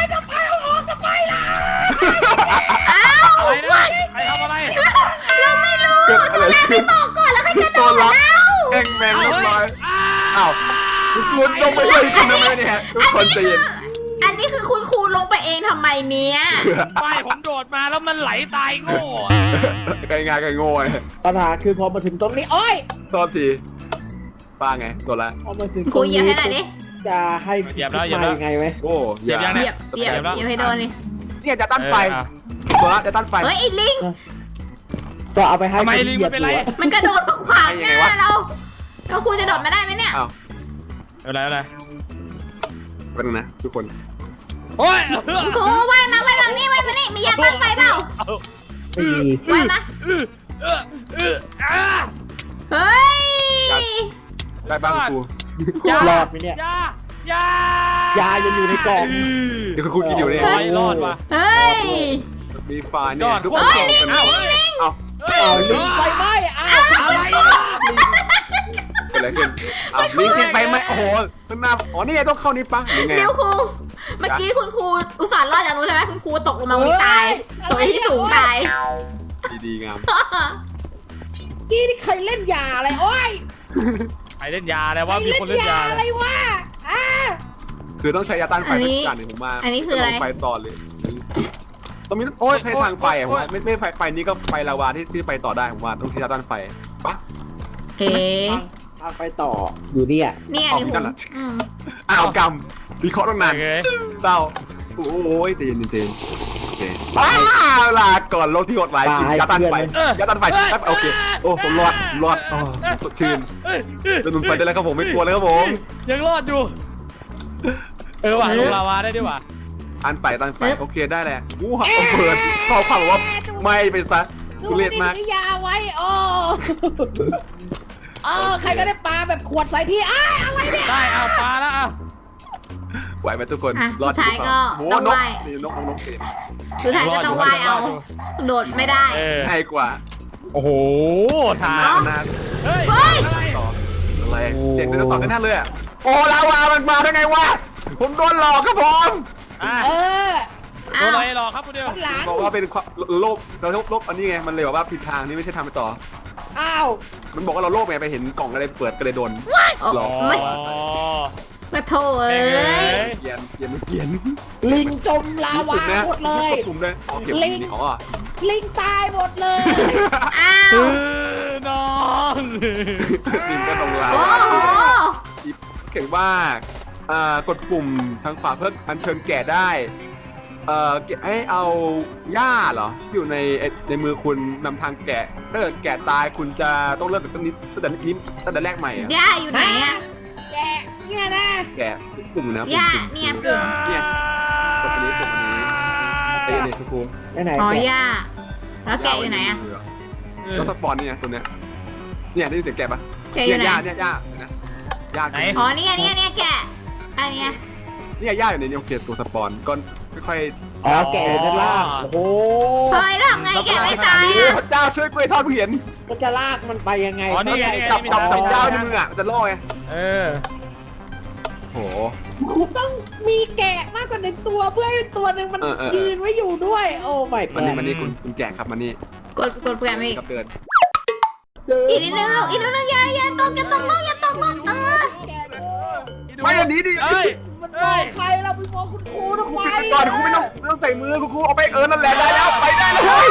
[SPEAKER 3] อะไรนะใครทำอะไร
[SPEAKER 1] เราไม่รู้
[SPEAKER 2] เกิดอะไรขึ้น
[SPEAKER 1] ต่อก่อนแล้วใครจะโด
[SPEAKER 2] ตัว
[SPEAKER 1] ด
[SPEAKER 2] รับ
[SPEAKER 1] แล้ว
[SPEAKER 2] แองแมง
[SPEAKER 3] เอา
[SPEAKER 2] เรียบ
[SPEAKER 3] เฮ้ย
[SPEAKER 2] ร้อย
[SPEAKER 3] อ้า
[SPEAKER 2] อ้าวทุกคนลงไปเลยคุณทำไมเนี่ยทุกคนใจเย็น
[SPEAKER 1] อันนี้คือคุณครูลงไปเองทำไมเนี้ย
[SPEAKER 3] ไม่ผมโดดมาแล้วมันไหลตายโง่อะ
[SPEAKER 2] ไกลงานไกลโง่ไง
[SPEAKER 4] ปัญหาคือพอมาถึงตรงนี้โอ้ย
[SPEAKER 2] โทษทีป้าไงตัวละ
[SPEAKER 4] พอมาถึง
[SPEAKER 1] ครูเหยียบให้หน่อยดิ
[SPEAKER 4] จะให้
[SPEAKER 3] เหยียบแล้วเหยียบ
[SPEAKER 4] มา
[SPEAKER 3] แล้ว
[SPEAKER 4] ยังไงไหม
[SPEAKER 2] โอ้
[SPEAKER 3] เหยียบยัง
[SPEAKER 1] เห
[SPEAKER 3] นี่
[SPEAKER 1] ยียบเหยียบเหยียบให้โดนเลย
[SPEAKER 2] เนี่ยจะต้านไฟ
[SPEAKER 3] เอออ่ะ
[SPEAKER 2] ตัวละจะต้านไฟ
[SPEAKER 1] เฮ้ยไอ้ลิง
[SPEAKER 4] ก็เอาไปให้
[SPEAKER 3] ทำไม
[SPEAKER 4] คน
[SPEAKER 3] ลิง
[SPEAKER 4] เหยีย
[SPEAKER 3] มันเป็นไร
[SPEAKER 4] บอยู่อะ
[SPEAKER 1] มันกระโดดมาขวางหน้าเราแล้วครูจะโดดมาได้ไหมเนี่ย
[SPEAKER 2] อ้าว
[SPEAKER 3] อะไรอะไร
[SPEAKER 2] เป็นงนะทุกคน
[SPEAKER 3] โอ้ย
[SPEAKER 1] ครูว่ายมาว่ายมานี่ว่ายมานี่มียาต้านไฟเปล่า
[SPEAKER 4] สี่
[SPEAKER 1] ว่ายมา
[SPEAKER 3] เออเออเอออ่า
[SPEAKER 1] เฮ้ย
[SPEAKER 2] ได้บ้างครู
[SPEAKER 1] ครู
[SPEAKER 4] รอดไหมเนี่ย
[SPEAKER 3] ยายาย
[SPEAKER 4] ายังอยู่ในกล่อง
[SPEAKER 2] เดี๋ยวคุณกินอยู่เนี่ย
[SPEAKER 3] โอ้ยรอดว่ะ
[SPEAKER 1] เฮ้ย
[SPEAKER 2] มีไฟเนี่ยทุกคนส่งกัน
[SPEAKER 3] เอ้าเฮ้ย
[SPEAKER 2] เอา
[SPEAKER 3] เฮ้ย
[SPEAKER 4] เอาลิงไฟไหม้อ้าว
[SPEAKER 3] อะไร
[SPEAKER 2] กิดอะไรขึ้นอ้าวนี่จริงไปไหมโอ้โหข้างหน้าอ๋อนี่ไงต้องเข้านี่ปะหรือไง
[SPEAKER 1] เดี๋ยวครูเมื่อกี้คุณครูอุตส่าห์รอดจากนู้นใช่ไหมคุณครูตกลงมาวันนี้ตายตกที่สูงตาย
[SPEAKER 2] ดีๆงาม
[SPEAKER 4] กี้นี่ใครเล่นยาอะไรโอ้ย
[SPEAKER 3] ใครเล่นยาแล้วว่ามีคนเล่นยา
[SPEAKER 4] อะไรวะอ่า
[SPEAKER 2] คือต้องใช้ยาต้านไฟเป็นการหนึ่งผมมา
[SPEAKER 1] อันนี้คืออะไร
[SPEAKER 2] ไฟต่อเลยตรงนี้โอ้ยใช้ทางไฟผมว่าไม่ไม่ไฟไฟนี้ก็ไฟลาวาที่ที่ไปต่อได้ผมว่าต้องใช้ยาต้านไฟปะ
[SPEAKER 1] เอ๊ะ
[SPEAKER 4] ทางไปต่ออยู่เนี่ย
[SPEAKER 1] เนี่ยนี่คุณอืม
[SPEAKER 2] อ้าวกำวิเคราะห์ตั้งนาน
[SPEAKER 3] โอเค
[SPEAKER 2] เศร้าโอ้ยตีนตีนโอเคอ้าวลาก่อนโลกที่โหดร้ายจริงยาต้านไฟยาต้านไฟครับโอเคโอ้ผมรอดรอดอ๋อสดชื่น
[SPEAKER 3] เอ้ยเอ้ย
[SPEAKER 2] จะหนุนไฟได้แล้วครับผมไม่กลัวเลยครับผม
[SPEAKER 3] ยังรอดอยู่ เออว่ะลงลาวาได้ด้วยว่ะ
[SPEAKER 2] อันไฟต้านไฟโอเคได้แหละอู้หักเปิดข้อความบอกว่าไม่ไปซะทุเรศมาก
[SPEAKER 4] ยาไว้โอ้เออใครก็ได้ปลาแบบขวดใส่ที่อ้าอะไรเนี่ย
[SPEAKER 3] ได้เอาปลาแล้วเอา
[SPEAKER 2] ไหวไหมทุกคน
[SPEAKER 1] อ่ะ
[SPEAKER 2] รอ
[SPEAKER 1] สุ
[SPEAKER 2] ด
[SPEAKER 1] ดท้ายก็
[SPEAKER 2] โอ้
[SPEAKER 1] ต้อง
[SPEAKER 2] นก
[SPEAKER 1] ไหว้
[SPEAKER 2] นี่นกนกเสีย
[SPEAKER 1] สุดท้ายก็ต้องไหว้เอาโดดไม่ได้
[SPEAKER 3] เออ
[SPEAKER 2] ง่ายกว่า
[SPEAKER 3] โอ้โหทาง
[SPEAKER 1] เอ้า
[SPEAKER 2] นาน
[SPEAKER 3] เฮ้ย
[SPEAKER 1] เฮ้ย
[SPEAKER 3] อะไร
[SPEAKER 2] ต่ออะไรเสียงเป็นต่อกันนั่นเลยอ่ะโอ้ลาวามันมาได้ไงวะผมโดนหลอกครับผม
[SPEAKER 3] อ่ะ
[SPEAKER 4] เออ
[SPEAKER 3] โด
[SPEAKER 1] อ้าน ว
[SPEAKER 3] อะไรหรอครับคุณเดียว
[SPEAKER 4] หลัง
[SPEAKER 2] บอกว่าเป็นโลภเราโลภอันนี้ไงมันเลยบอกว่าผิดทางนี่ไม่ใช่ทางไปต่อ
[SPEAKER 4] อ้าว
[SPEAKER 2] มันบอกว่าเราโลภไงไปเห็นกล่องอะไรเปิดก็เลยโดน หรอ
[SPEAKER 1] ไม่
[SPEAKER 3] อ๋อ
[SPEAKER 1] มาโถเอ้
[SPEAKER 3] เอ้
[SPEAKER 1] ย
[SPEAKER 3] ย
[SPEAKER 2] เกียนเกียนไม่เกียน
[SPEAKER 4] ลิงจมลาวาหมดเลย
[SPEAKER 2] กลุ่มเลยอ๋อเก็บนี่อ๋อ
[SPEAKER 4] ลิงตายหมดเลย
[SPEAKER 1] อ้าว
[SPEAKER 3] เออน้อง
[SPEAKER 2] ลิงก็ตรงลา
[SPEAKER 1] โอ้โห
[SPEAKER 2] เขียนว่าอ่ากดปุ่มทางขวาเพื่ออัญเชิญแกะได้เอ่อให้เอาหญ้าเหรอที่อยู่ในในมือคุณนำทางแกะถ้าเกิดแกะตายคุณจะต้องเริ่มจากต้นนี้ตั้งแต่นี้ตั้งแต่แรกใหม่อะ
[SPEAKER 1] ย่าอยู่ไหนอะ
[SPEAKER 4] แกเนี่ยนะ
[SPEAKER 2] แกะปุ่มนะ
[SPEAKER 1] ย่า
[SPEAKER 2] ปุ่ม
[SPEAKER 1] เนี่ย
[SPEAKER 2] ปุ่มเนี่ยกดอันนี้ปุ่มอันนี้ไอ้เนี่ยคุณครู
[SPEAKER 4] ไปไหน
[SPEAKER 1] อ๋อ
[SPEAKER 4] แก
[SPEAKER 1] ย่าแล้วแกอยู่ไหนอะ
[SPEAKER 2] แล้วสปอนเนี่ยตัวเนี้ยเนี่ยได้ยินเสียงแกะปะ
[SPEAKER 1] แกอยู่ไหน
[SPEAKER 2] ย่าเนี่ยย่านะย่า
[SPEAKER 1] อ๋อนี่ไงนี่ไงเนี่ยแกะอันเนี้ย
[SPEAKER 2] เนี่ยย่าอยู่ในนี้โอเคตัวสปอนก็ค่อย
[SPEAKER 4] อ๋อแกอยู่ด้านล่างโอ้โห
[SPEAKER 1] เฮ้ยแล้วทำไงแกะไม่ตาย
[SPEAKER 2] โอ้
[SPEAKER 1] อะ
[SPEAKER 2] พระเจ้าช่วยกล้วยทอดเพียน
[SPEAKER 4] ก็จะลากมันไปยังไง
[SPEAKER 3] อ๋อนี่ไงนี่ไง
[SPEAKER 2] จับ
[SPEAKER 3] มี
[SPEAKER 2] จับ
[SPEAKER 3] ทาง
[SPEAKER 2] จับยาวในมืออ่ะจะล่อไง
[SPEAKER 3] เออ
[SPEAKER 2] โห
[SPEAKER 4] คุณต้องมีแกะมากกว่าหนึ่งตัวเพื่อให้ตัวหนึ่งมัน
[SPEAKER 2] เออเออ
[SPEAKER 4] ยืนไว้อยู่ด้วย โอ้ไม่
[SPEAKER 2] มันนี่มันนี่คุณคุณแกะครับมันนี่
[SPEAKER 1] กดกดแกะไม่อีก
[SPEAKER 2] กับเดิน
[SPEAKER 1] อีกนิดนึงลูกอีกนิดนึงอย่าอย่าตกอย่าตกลูกอย่าตกลูกเออ
[SPEAKER 4] แกะดู
[SPEAKER 2] ไม่อันนี้ดิ
[SPEAKER 3] เอ้ย
[SPEAKER 4] มันมองใครเราไปมองคุณครูทำ
[SPEAKER 2] ครู
[SPEAKER 4] ไม
[SPEAKER 2] ปิดไปก่อนครูไม่ต้องไม่ต้องใส่มือครูครูเอาไปเออนั่นแหละได้แล้วไปได้แล้ว
[SPEAKER 1] เฮ้ย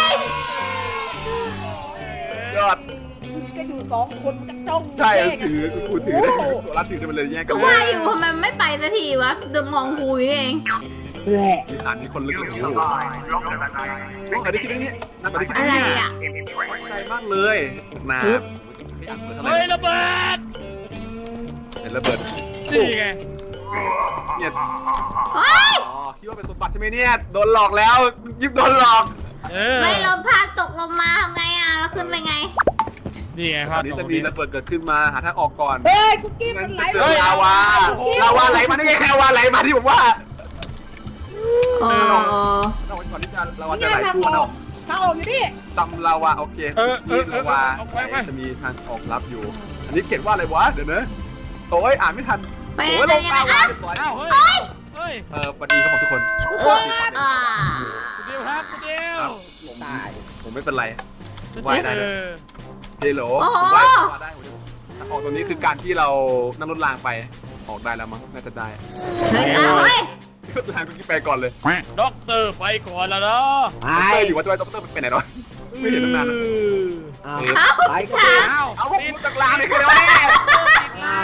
[SPEAKER 2] ยอด
[SPEAKER 4] คุณจะอยู่สองคนจะจ้อง
[SPEAKER 2] ใช่
[SPEAKER 4] แย่กัน
[SPEAKER 2] ถือครูถือได้ตัวรัดถือได้มันเลยแยกกั
[SPEAKER 1] ก็
[SPEAKER 2] น
[SPEAKER 1] ว่าอยู่ทำไมไม่ไปสักทีวะเดิมมองครูอยู่นี่เอง
[SPEAKER 4] แหละ
[SPEAKER 2] มีฐานมีคนลึกเลยโอ้โหโอ้อันนี้คิดนี่นั่นอันนี้คิด
[SPEAKER 1] อะไรอ่ะ
[SPEAKER 2] ใจมากเลยนา
[SPEAKER 1] ปึ๊บ
[SPEAKER 3] เฮ้ยระเบิด
[SPEAKER 2] เห็นระเบิด
[SPEAKER 3] นี่ไง
[SPEAKER 2] เนี่ย
[SPEAKER 1] เฮ้ย
[SPEAKER 2] อ๋อคิดว่าเป็นสมบัติใช่ไหมเนี่ยโดนหลอกแล้วยิบโดนหลอก
[SPEAKER 3] เออ
[SPEAKER 1] ไม่ลมพาดตกลงมาทำไงอ่ะแล้วขึ้นไปไง
[SPEAKER 3] นี่ไงค
[SPEAKER 2] ต
[SPEAKER 3] รั
[SPEAKER 2] อบ นนี้จะมีระเบิดเกิดขึ้นมาหาทางออกก่อน
[SPEAKER 4] เฮ้ยคุกกี้มันไหล
[SPEAKER 2] เจอลาวาลาวาไหลมาได้ไงลาวาไหลมาที่ผมว่า
[SPEAKER 1] โอ้
[SPEAKER 2] เราก่อนที่จะลาวาจะไหลทั่วเนาะ
[SPEAKER 4] เข้าออกอยู่นี่
[SPEAKER 2] ตำลาวาโอเคนี่ลาวาจะมีทางออกลับอยู่ อันนี้เขียนว่าอะไรวะเดี๋ยวนะโอ้ยอ่านไม่ทัน
[SPEAKER 1] ไป
[SPEAKER 2] โอ้ย
[SPEAKER 1] จะ
[SPEAKER 2] ลง
[SPEAKER 1] ยังไง
[SPEAKER 2] ลาวา
[SPEAKER 1] อ่ะ
[SPEAKER 2] เรียบร้อย
[SPEAKER 3] อ้าวเฮ้ยเฮ้ย
[SPEAKER 2] เออสวัสดีครับผมทุกคน
[SPEAKER 1] เอออ่า
[SPEAKER 3] คุณเดียวครับคุณเดียว
[SPEAKER 2] ผม
[SPEAKER 4] ตาย
[SPEAKER 2] ผมไม่เป็นไรว่ายได้
[SPEAKER 3] เอ
[SPEAKER 2] เลย
[SPEAKER 3] อ
[SPEAKER 2] เฮลโหลผมว่ายได้ผมทางออกตรงนี้คือการที่เรานั่งรถรางไปออกได้แล้วมั้งน่าจะได้
[SPEAKER 1] เฮ้ยอ่ะเฮ้ย
[SPEAKER 2] รถรางก็ไปก่อนเลย
[SPEAKER 3] ด็อกเตอร์ไปก่อนแล้วเนาะ
[SPEAKER 4] ไป
[SPEAKER 2] เต้ยอยู่ว่าจะไปด็อกเตอร์ไปไหนเนาะไม่เห็นตั้งนาน
[SPEAKER 4] เอา
[SPEAKER 1] เอ้า
[SPEAKER 4] ไปก็
[SPEAKER 1] ค่ะ
[SPEAKER 3] อ้าว
[SPEAKER 2] เอาพวกคุณจากรางเลยคืออะไรวะเนี่ย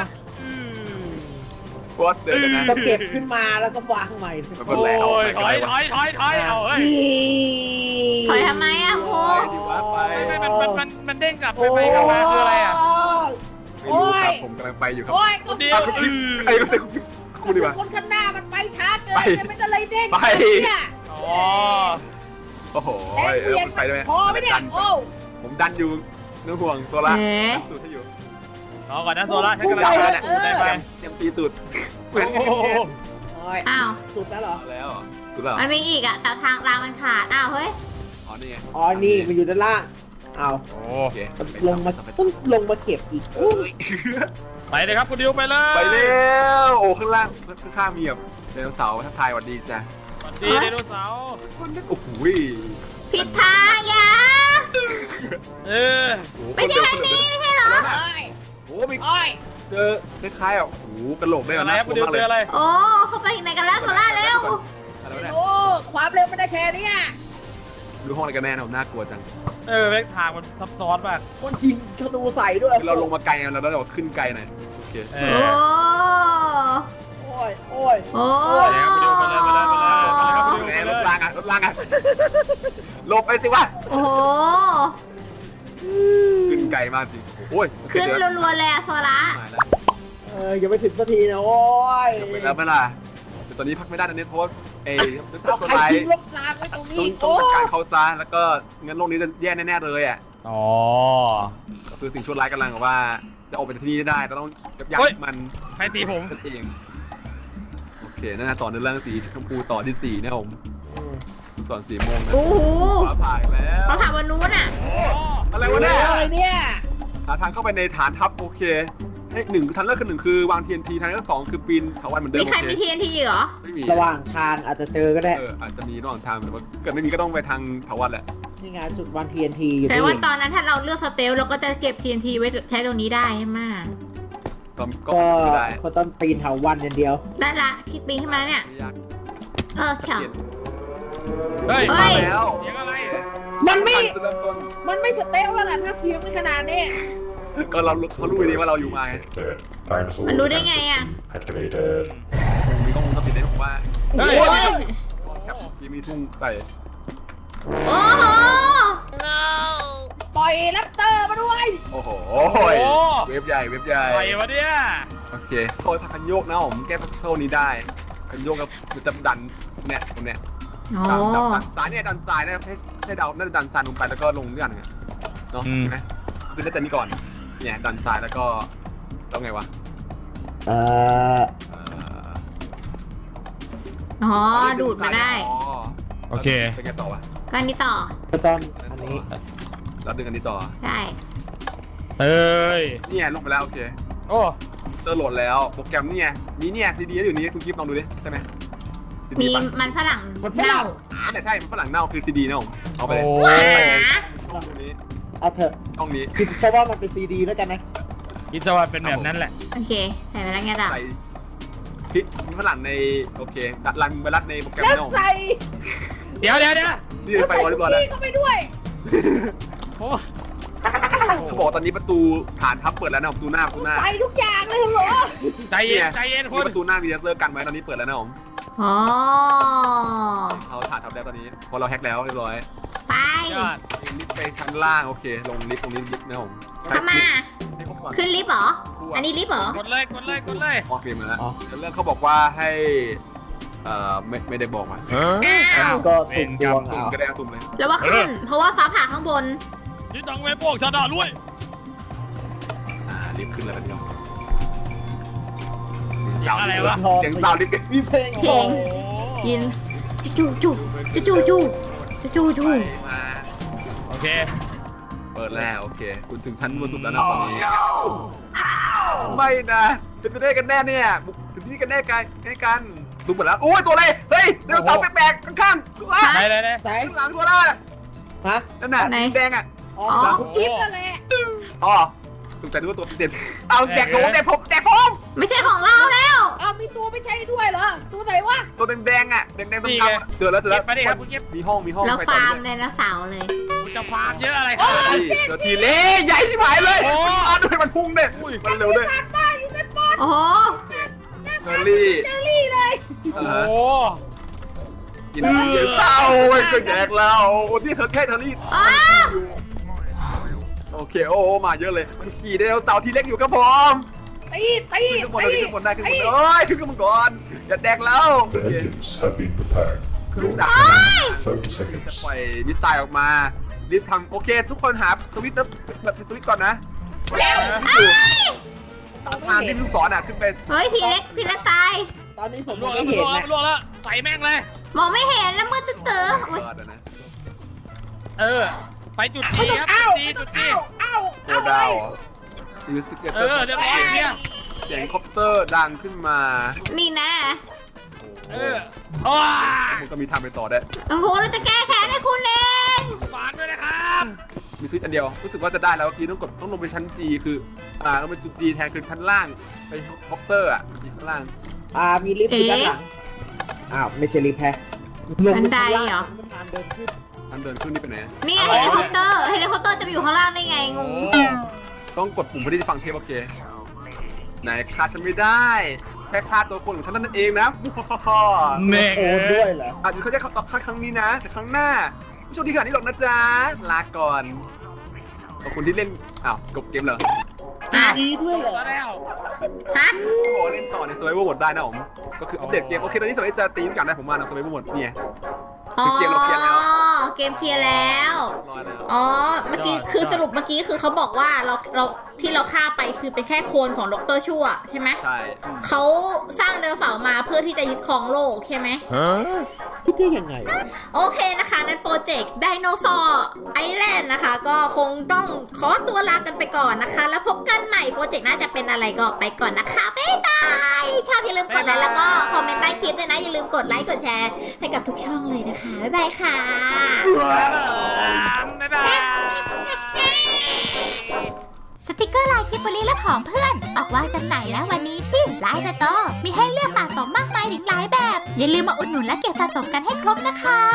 [SPEAKER 2] โคตรเดินนะ
[SPEAKER 4] ก็เก็บขึ้นมาแล้วก็วางใหม่
[SPEAKER 2] ไม่
[SPEAKER 3] โอ้
[SPEAKER 2] เป็นไรเอา
[SPEAKER 3] ยถอยถอยถอยถอยเอาเฮ้ย
[SPEAKER 1] ถอยทำไมอ่ะครู
[SPEAKER 2] ดีว่าไป
[SPEAKER 3] ไม่ไม่มันมันมันมันเด้งกลับไปไปกลับมาคืออะไรอ่ะ
[SPEAKER 2] ไม่รู้ครับผมกำลังไปอยู่ครับ
[SPEAKER 4] โอ้ย
[SPEAKER 3] คุณเดียวอือ
[SPEAKER 2] ไอ้ก็เป็นคุณดีกว่า
[SPEAKER 4] คนข้างหน้ามันไปช้าเกิน
[SPEAKER 2] ไป
[SPEAKER 4] มันก็เลยเด้ง
[SPEAKER 2] ไป
[SPEAKER 4] เนี่ย
[SPEAKER 3] อ๋อ
[SPEAKER 2] โอ้โห
[SPEAKER 4] แรง
[SPEAKER 2] เอ
[SPEAKER 4] เวี
[SPEAKER 2] อย
[SPEAKER 4] น
[SPEAKER 2] คุณไปได้ไหม
[SPEAKER 4] พอไหมเนี่ยโอ้
[SPEAKER 2] ผมดันอยู่นึกห่วงตัวละ
[SPEAKER 1] เอ๊ะ
[SPEAKER 2] ตูดให้อยู่
[SPEAKER 3] รอก่อนนะโซล่าฉันกำลังจะได้ได้ไป
[SPEAKER 2] เตรียมตีตูดเหมือน
[SPEAKER 3] โอ้โห
[SPEAKER 4] โอ้ย
[SPEAKER 1] อ้าว
[SPEAKER 4] สุดแล้วเหรอ
[SPEAKER 2] แล้วสุดแล้ว
[SPEAKER 1] มันมีอีกอ่ะแต่ทางรางมันขาดอ้าวเฮ้ย
[SPEAKER 2] อ๋อนี่ไง
[SPEAKER 4] อ๋อนี่มันอยู่ด้านล่างเอา
[SPEAKER 3] โอ้
[SPEAKER 2] โอเค
[SPEAKER 4] ลงมาต้องลงมาเก็บอีกอุ๊ย
[SPEAKER 3] ไปเลยครับคุณดิวไปเลย
[SPEAKER 2] ไปเร็วโอ้ข้างล่างข้างๆมีแบบไดโนเสาร์ทักทายสวัสดีจ้ะ
[SPEAKER 3] สวัสดีไดโนเสาร์
[SPEAKER 2] โอ้โห
[SPEAKER 1] ผิดทางอย่า
[SPEAKER 3] เออ
[SPEAKER 1] ไม่ใช่ทางนี้ไม่ใช่เหรอ
[SPEAKER 2] โอ้มีเจอคล้ายๆอ่ะโอ้โหกระโหลกได้
[SPEAKER 3] อะไร
[SPEAKER 2] นะ
[SPEAKER 3] ครับคุณดิว
[SPEAKER 2] มาก
[SPEAKER 3] เจ
[SPEAKER 2] เลย
[SPEAKER 3] ออะไร
[SPEAKER 1] โอ้เข้าไปไหนกันแล้วโซล่าเร็ว
[SPEAKER 2] อะไรวะเนี่ย
[SPEAKER 4] โอ้ความเร็วมันได้แค่นี้
[SPEAKER 2] ดูห้องอะไรกันแน่นะผมน่ากลัวจัง
[SPEAKER 3] เออแม่งทางมันซับซ้อนมาก
[SPEAKER 4] คนยิงธนูใส่ด้วย
[SPEAKER 2] เราลงมาไกลเราแล้วเราขึ้นไกลหน่อยโอเค
[SPEAKER 3] เอ
[SPEAKER 1] โอ้
[SPEAKER 3] อ
[SPEAKER 4] โอ้ยโอ้ย
[SPEAKER 1] โอ้
[SPEAKER 3] ไปเลยครับคุณดิวไปเลยไปเลยไปเลยไปเลยครับคุณดิว
[SPEAKER 2] แห
[SPEAKER 3] ไป
[SPEAKER 2] ม
[SPEAKER 3] เล
[SPEAKER 2] รถ
[SPEAKER 3] ย
[SPEAKER 2] รางอ่ะรถรางอ่ะหลบไปสิวะ
[SPEAKER 1] โอ้โห
[SPEAKER 2] ขึ้นไกลมากจริงโอ้ย
[SPEAKER 1] ขึ้นรัวๆเลยอะโซล่า
[SPEAKER 2] มาแล้ว
[SPEAKER 4] เออยังไม่ถึงสักทีนะโอ้ย
[SPEAKER 2] จบไปแล้วไหมล่ะแต่ตอนนี้พักไม่ได้ตอนนี้เพราะว่าเอ้ย
[SPEAKER 4] เอา
[SPEAKER 2] ตัว
[SPEAKER 4] ใคร
[SPEAKER 2] ร้าย
[SPEAKER 4] ทิ้งรถรางไว้ตรง
[SPEAKER 2] ต้
[SPEAKER 4] นี้
[SPEAKER 2] องต้อ
[SPEAKER 4] โอ้
[SPEAKER 2] งจัดการเขาซะแล้วก็งั้นโลกนี้จะแย่แน่ๆเลยอ่ะ
[SPEAKER 3] อ๋อ
[SPEAKER 2] คือสิ่งชั่วร้ายกำลังว่าจะออกไปจากที่นี่ได้แต่ต้องยับยั้
[SPEAKER 3] เฮ้ย
[SPEAKER 2] งมัน
[SPEAKER 3] ใครตีผม
[SPEAKER 2] นั่นเองโอเคนั่นนะต่อในเรื่องสีชมพูต่อที่สี่นะผมส่วนสีม่วงนะ
[SPEAKER 1] โอ้โห
[SPEAKER 2] ฟ้าผ่าอีกแล้ว
[SPEAKER 1] มาผ่านบนนู้นอ่ะ
[SPEAKER 2] อะไรวะเนี่ย
[SPEAKER 4] อะไรเนี่ย
[SPEAKER 2] หาทางเข้าไปในฐานทัพโอเคเอ้ยหนึ่งทางเลือกคือหนึ่งคือวาง ที เอ็น ที ทางเลือกสองคือปีนถาวรเหมือนเดิม
[SPEAKER 1] มีใคร
[SPEAKER 2] โอ
[SPEAKER 1] มี
[SPEAKER 2] เค
[SPEAKER 1] ทีเอ็นทีเหรอ
[SPEAKER 2] ไม่มี
[SPEAKER 4] ระหว่างทางอาจจะเจอก็ได้
[SPEAKER 2] เอออาจจะมีระหว่างทางแต่ว่าเกิดไม่มีก็ต้องไปทางถาวรแหละ
[SPEAKER 4] นี่ไงจุดวัน ที เอ็น ที อยู่
[SPEAKER 1] แต่
[SPEAKER 4] นี่
[SPEAKER 1] ว่าตอนนั้นถ้าเราเลือกสเตลเราก็จะเก็บ ที เอ็น ที ไว้ใช้ตรงนี้ได้ใช่ไหม
[SPEAKER 2] ก็ก็
[SPEAKER 4] ก็
[SPEAKER 2] ไม่ได้
[SPEAKER 4] ก็ต้องปีนเถาวันอย่างเดียว
[SPEAKER 1] ได้ละคิดปีนขึ้นมาแล้วเนี่ย
[SPEAKER 2] ไม่ยาก
[SPEAKER 1] เออเฉา
[SPEAKER 3] เฮ้ย
[SPEAKER 1] เฮ้ย
[SPEAKER 2] มาแล้ว
[SPEAKER 3] เสียงอะไร
[SPEAKER 4] มันไม่
[SPEAKER 2] จะเริ่มต้น
[SPEAKER 4] มันไม่สเตลแล้วล่ะถ้าเสียงมันขนาดนี้
[SPEAKER 2] ก็เราเขารู้ดีว่าเราอยู่มาไง
[SPEAKER 1] มันรู้ได้ไงอ่ะ
[SPEAKER 5] Activated.
[SPEAKER 2] มีกล้องวงจรปิดได้ผมว่า
[SPEAKER 3] เฮ้ย
[SPEAKER 1] โอ้ย
[SPEAKER 2] กับยังมีทุ่งใส่
[SPEAKER 1] โอ้โห
[SPEAKER 4] ปล่อยแรปเตอร์มาด้วย
[SPEAKER 2] โอ้โห
[SPEAKER 3] โอ้โห
[SPEAKER 2] เว็บใหญ่เว็บใหญ่
[SPEAKER 3] อะไรวะเนี่ย
[SPEAKER 2] โอเคโค้ดคันโยกนะผมแก้พัซเซิลนี้ได้คันโยกกับมันจะดันเนี่ยตรงเนี้ย
[SPEAKER 1] โอ้
[SPEAKER 2] ดันดันดันซ้ายเนี่ยดันซ้ายนะให้ให้เดาน่าจะดันซ้ายลงไปแล้วก็ลงด้วยกันไงเนาะ
[SPEAKER 3] อืม
[SPEAKER 2] ใช่ไหมคือน่าจะนี่ก่อนเนี่ยดันซ้ายแล้วก็ต้องไงวะ
[SPEAKER 4] เอ่อ
[SPEAKER 2] เอ่อ
[SPEAKER 1] อ๋อดูดมาได้
[SPEAKER 2] อ๋อ
[SPEAKER 3] โอเค
[SPEAKER 2] ไปไงต่อวะ
[SPEAKER 1] ก็อันนี้ต่อ
[SPEAKER 4] ก็ต้องอันนี้
[SPEAKER 2] แล้วดึงอันนี้ต่อ
[SPEAKER 1] ได้
[SPEAKER 3] เฮ้ย
[SPEAKER 2] เนี่ยลงไปแล้วโอเค
[SPEAKER 3] โอ้
[SPEAKER 2] เจอโหลดแล้วโปรแกรมนี่ไงมีเนี่ยซีดีอยู่นี้คุณกิฟต์ลองดูดิใช่ไหม ซี
[SPEAKER 1] มี
[SPEAKER 2] ดีปะ
[SPEAKER 1] มันฝรั่ง
[SPEAKER 4] มันฝ
[SPEAKER 1] เน่า
[SPEAKER 4] รั่ง
[SPEAKER 2] ใช่ใช่มันฝรั่งเน่าคือซีดีนะผมเอาไป
[SPEAKER 3] โอ้
[SPEAKER 2] เลย
[SPEAKER 1] หา
[SPEAKER 2] ช่องนี้
[SPEAKER 4] เอาเถอะ
[SPEAKER 2] ช่องนี้
[SPEAKER 4] คิดซะว่ามันเป็นซีดีแล้วกันนะ
[SPEAKER 3] คิดซะว่าเป็นแบบนั้นแหละ
[SPEAKER 1] โอเคใส่ไปแล้วไงต่อ
[SPEAKER 2] ใส่พริกฝรั่งในโอเคดัดรันไวรัสในโปรแกรม
[SPEAKER 4] แล้ว
[SPEAKER 2] นะผม
[SPEAKER 4] ใส่
[SPEAKER 3] เดี๋ยวเดี๋ยวเดี๋ยว
[SPEAKER 2] นี่
[SPEAKER 4] แล้ว
[SPEAKER 2] ไป
[SPEAKER 4] ใส่
[SPEAKER 2] วอล
[SPEAKER 4] คุ
[SPEAKER 2] เล
[SPEAKER 4] ก
[SPEAKER 2] ย์บอลแล้ว
[SPEAKER 4] กี้เข้าไปด้วย
[SPEAKER 3] โอ้
[SPEAKER 2] เขาบอกว่าตอนนี้ประตูฐานทัพเปิดแล้วนะประตูหน้าประตูหน้า
[SPEAKER 4] ใส่ทุกอย่างเลยเหรอ
[SPEAKER 3] ใจเย็นใจเย็นคุ
[SPEAKER 2] นี่
[SPEAKER 3] ณ
[SPEAKER 2] ประตูหน้ามีเลเซอร์กันไว้ตอนนี้เปิดแล้วนะผม
[SPEAKER 1] อ๋อ
[SPEAKER 2] เอาฐานทัพแล้วตอนนี้พอเราแฮกแล้วเรียบร้อย
[SPEAKER 1] ไป
[SPEAKER 3] ยอด
[SPEAKER 2] ลิฟต์ไปชั้นล่างโอเค ลงลิฟต์ตรงนี้ลิฟต์นะผม
[SPEAKER 1] เข้ามา
[SPEAKER 2] ให้ครบก่อน
[SPEAKER 1] ขึ้นลิฟต์เหรอ อันนี้ลิฟต์เหรอ
[SPEAKER 3] กดเลยกดเลยกดเลย
[SPEAKER 2] ออกเกมมาแล้วเรื่องเขาบอกว่าให้เอ่อไม่ไม่ได้บอกมา
[SPEAKER 1] อ้าว
[SPEAKER 4] ก็สุ่มดวง
[SPEAKER 2] สุ่ม
[SPEAKER 4] เอา
[SPEAKER 2] ก็ได้สุ่มเลย
[SPEAKER 1] แล้วว่าขึ้น เพราะว่าฟ้าผ่าข้างบน
[SPEAKER 3] ที่ตังเวโป้งชาดาด้วย
[SPEAKER 2] อ่าลิฟต์ขึ้นแล้วกันครับ
[SPEAKER 3] เสียงอะไรวะ
[SPEAKER 2] เสียงซาวด์ลิฟต์
[SPEAKER 4] มีเพลง
[SPEAKER 1] เพลง ยินจูจูจูจูจูจูจูจู
[SPEAKER 2] ไปมา
[SPEAKER 3] โอเค
[SPEAKER 2] เปิดแล้วโอเค คุณถึงชั้นบนสุดแล้วนะตอนนี้ไม่นะจะไปได้กันแน่เนี่ยบุกถึงที่กันแน่กันใกล้กันดูหมดแล้วโอ้ยตัวอะไรเฮ้ยเรื่องเสาแปลกๆข้างๆตัว
[SPEAKER 3] ไหนไหนไหน
[SPEAKER 4] ใส่
[SPEAKER 2] ข้างหลังตัวละ
[SPEAKER 4] ฮะ
[SPEAKER 2] นั่นน่ะสีแดงอ่ะ
[SPEAKER 4] อ๋อคุกกี้นั่นแหละ
[SPEAKER 2] อ๋อสงสัยนึกว่าตัวเด่นเอาแจกผมแจกผมแจกผม
[SPEAKER 1] ไม่ใช่ของเราแล้ว
[SPEAKER 4] อ้าวมีตัวไม่ใช่ด้วยเหรอ ตัวไหนวะ
[SPEAKER 2] ตัวแดงๆอ่ะแดงๆตรงกลางเจอแล้วเจอ
[SPEAKER 3] เก็
[SPEAKER 2] แล้
[SPEAKER 3] บ
[SPEAKER 2] ว
[SPEAKER 3] ไปดิครับคุณเก็บ
[SPEAKER 2] มีห้องมีห้อง
[SPEAKER 1] แล้ว
[SPEAKER 2] ไป
[SPEAKER 1] ฟาร์ม
[SPEAKER 2] ต่อ
[SPEAKER 1] ไดโนเสาร์เลย
[SPEAKER 3] คุณจะฟาร์มเยอะอะไรครับ
[SPEAKER 2] เจอทีเล่ใหญ่ที่หายเลย
[SPEAKER 3] โอ้
[SPEAKER 2] อ่าด้วยมันพุ่งเด็ดมันเร็วด้วย
[SPEAKER 4] ตายอยู่ในปอด
[SPEAKER 1] โอ้โห
[SPEAKER 2] เชอรี่
[SPEAKER 4] เจอรี่เลย
[SPEAKER 3] โอ้
[SPEAKER 2] กินเยอะเต้าไอ้ก็แดกเราโอ้ที่เธอแค่เธอรี่
[SPEAKER 1] อ้าว
[SPEAKER 2] โอเคโอ้มาเยอะเลยมันขี่ไดโนเสาร์ทีเล็กอยู่ครับผม
[SPEAKER 4] ตีตี
[SPEAKER 2] ขึ้นข้างบน
[SPEAKER 4] ตี
[SPEAKER 2] ขึ้นข้างบนได้ขึ้นข้างบนเอ้ยขึ้นข้างบนก่อนอย่าแดกแล้วโอ
[SPEAKER 5] The
[SPEAKER 2] เค
[SPEAKER 5] engines have been prepared.
[SPEAKER 2] เครื่องดัก
[SPEAKER 5] thirty
[SPEAKER 2] จะ
[SPEAKER 5] seconds.
[SPEAKER 2] ปล่อยมิสไซล์ออกมารีบทำโอเค ทุกคนหาสวิตช์แบบสวิตช์ก่อนนะทางที่ลูกศรอ่ะขึ้นไป
[SPEAKER 1] เฮ้ยทีเล็กทีเล็กตาย
[SPEAKER 4] ตอนนี้ผม
[SPEAKER 3] ล่วง
[SPEAKER 4] ไม่
[SPEAKER 3] แล้ว
[SPEAKER 4] เห็น
[SPEAKER 3] ล่วงแล้
[SPEAKER 4] นะ
[SPEAKER 3] วล่วงแล้วใส่แม่งเลย
[SPEAKER 1] มองไม่เห็นแล้วมืดตื้อๆอุ๊ย
[SPEAKER 2] เออเดี๋ยวนะ
[SPEAKER 3] เออไปจุดจีครับจุดจีจุดจี
[SPEAKER 2] โคดาวอินสติเกเต
[SPEAKER 3] เอ
[SPEAKER 2] อร์
[SPEAKER 3] อเรียบร้อยเนี่ย
[SPEAKER 2] เสียงคอปเตอร์ดังขึ้นมา
[SPEAKER 1] นี่นะ
[SPEAKER 3] เออโอ้ย
[SPEAKER 2] มันก็มีทางไปต่อได้
[SPEAKER 1] โอ้โหเราจะแก้แค้นให้คุณเอง
[SPEAKER 3] ฝากด้วยนะครับ
[SPEAKER 2] มีสวิตช์อันเดียวรู้สึกว่าจะได้แล้วเมื่อกี้ต้องกดต้องลงไปชั้น G คืออ่าต้องเป็นจุด G แทนคือชั้นล่างไปคอปเตอร์อ่ะชั้นล่าง
[SPEAKER 4] อ่ามีลิฟต์อยู่ด้านหลังอ้าวไม่ใช่ลิฟต์แฮะลง
[SPEAKER 1] บัน
[SPEAKER 4] ป
[SPEAKER 1] ได
[SPEAKER 4] ชั้นล่าง
[SPEAKER 1] เหรอ
[SPEAKER 4] มันทางเดินขึ้น
[SPEAKER 2] ทางเดินขึ้นนี่ไปไหน
[SPEAKER 1] นี่เฮลิคอปเตอร์เฮลิคอปเตอร์จะไปอยู่ข้างล่างได้ไงงง
[SPEAKER 2] ต้องกดปุ่มเพื่อที่จะฟังเทปโอเคไหนฆ่าฉันไม่ได้แค่ฆ่าตัวคนของฉันนั่นเองนะ
[SPEAKER 3] เน่
[SPEAKER 4] โอนด้วยเหรอ
[SPEAKER 2] อาจจะเขาจะตอบครั้งนี้นะแต่ครั้งหน้าไม่ช่วงที่ขนาดนี้หรอกนะจ๊ะลาก่อนขอบคุณที่เล่นอ้าวจบเกมเหรอ
[SPEAKER 1] อ่ะ
[SPEAKER 4] ดีด้วยเหรอ
[SPEAKER 3] มาแล้ว
[SPEAKER 1] ฮะ
[SPEAKER 2] โอ้โหเล่นต่อใน Survival Mode ได้นะผมก็คืออัปเดตเกมโอเคตอนนี้สมัยจะตีทุกอย่างได้ผมมาใน Survival Mode เนี่ย
[SPEAKER 1] อ๋อ
[SPEAKER 2] คือเกมเราเคลียร์แล้ว
[SPEAKER 1] เกมเคลียร์แล้ว
[SPEAKER 2] รอแล้ว
[SPEAKER 1] อ๋อ เมื่อกี้คือสรุปเมื่อกี้คือเขาบอกว่าเราเราที่เราฆ่าไปคือเป็นแค่โคลนของดรชั่วใช่ไหม
[SPEAKER 2] ใช่
[SPEAKER 1] เขาสร้างไดโนเสาร์มาเพื่อที่จะยึดครองโลกใช่ไหม
[SPEAKER 4] คิดได้ยังไง
[SPEAKER 1] โอเคนะคะในโปรเจกต์ไดโนเสาร์ไอแลนด์นะคะ ก็คงต้องขอตัวลากันไปก่อนนะคะ แล้วพบกันใหม่โปรเจกต์น่าจะเป็นอะไรก็ไปก่อนนะคะ บ๊ายบายชอบอย่าลืมกดไลค์แล้วก็คอมเมนต์ใต้คลิปด้วยนะ อย่าลืมกดไลค์กดแชร์ให้กับทุกช่องเลยนะคะ บ๊ายบายค่ะ
[SPEAKER 3] บ๊ายบาย
[SPEAKER 1] สติกเกอร์ลายกิบบลีและผองเพื่อน ออกวางจำหน่ายแล้ววันนี้ที่ไลน์สโตร์มีให้เลือกสะสมมากมายถึงหลายแบบ อย่าลืมมาอุดหนุนและเก็บสะสมกันให้ครบนะคะ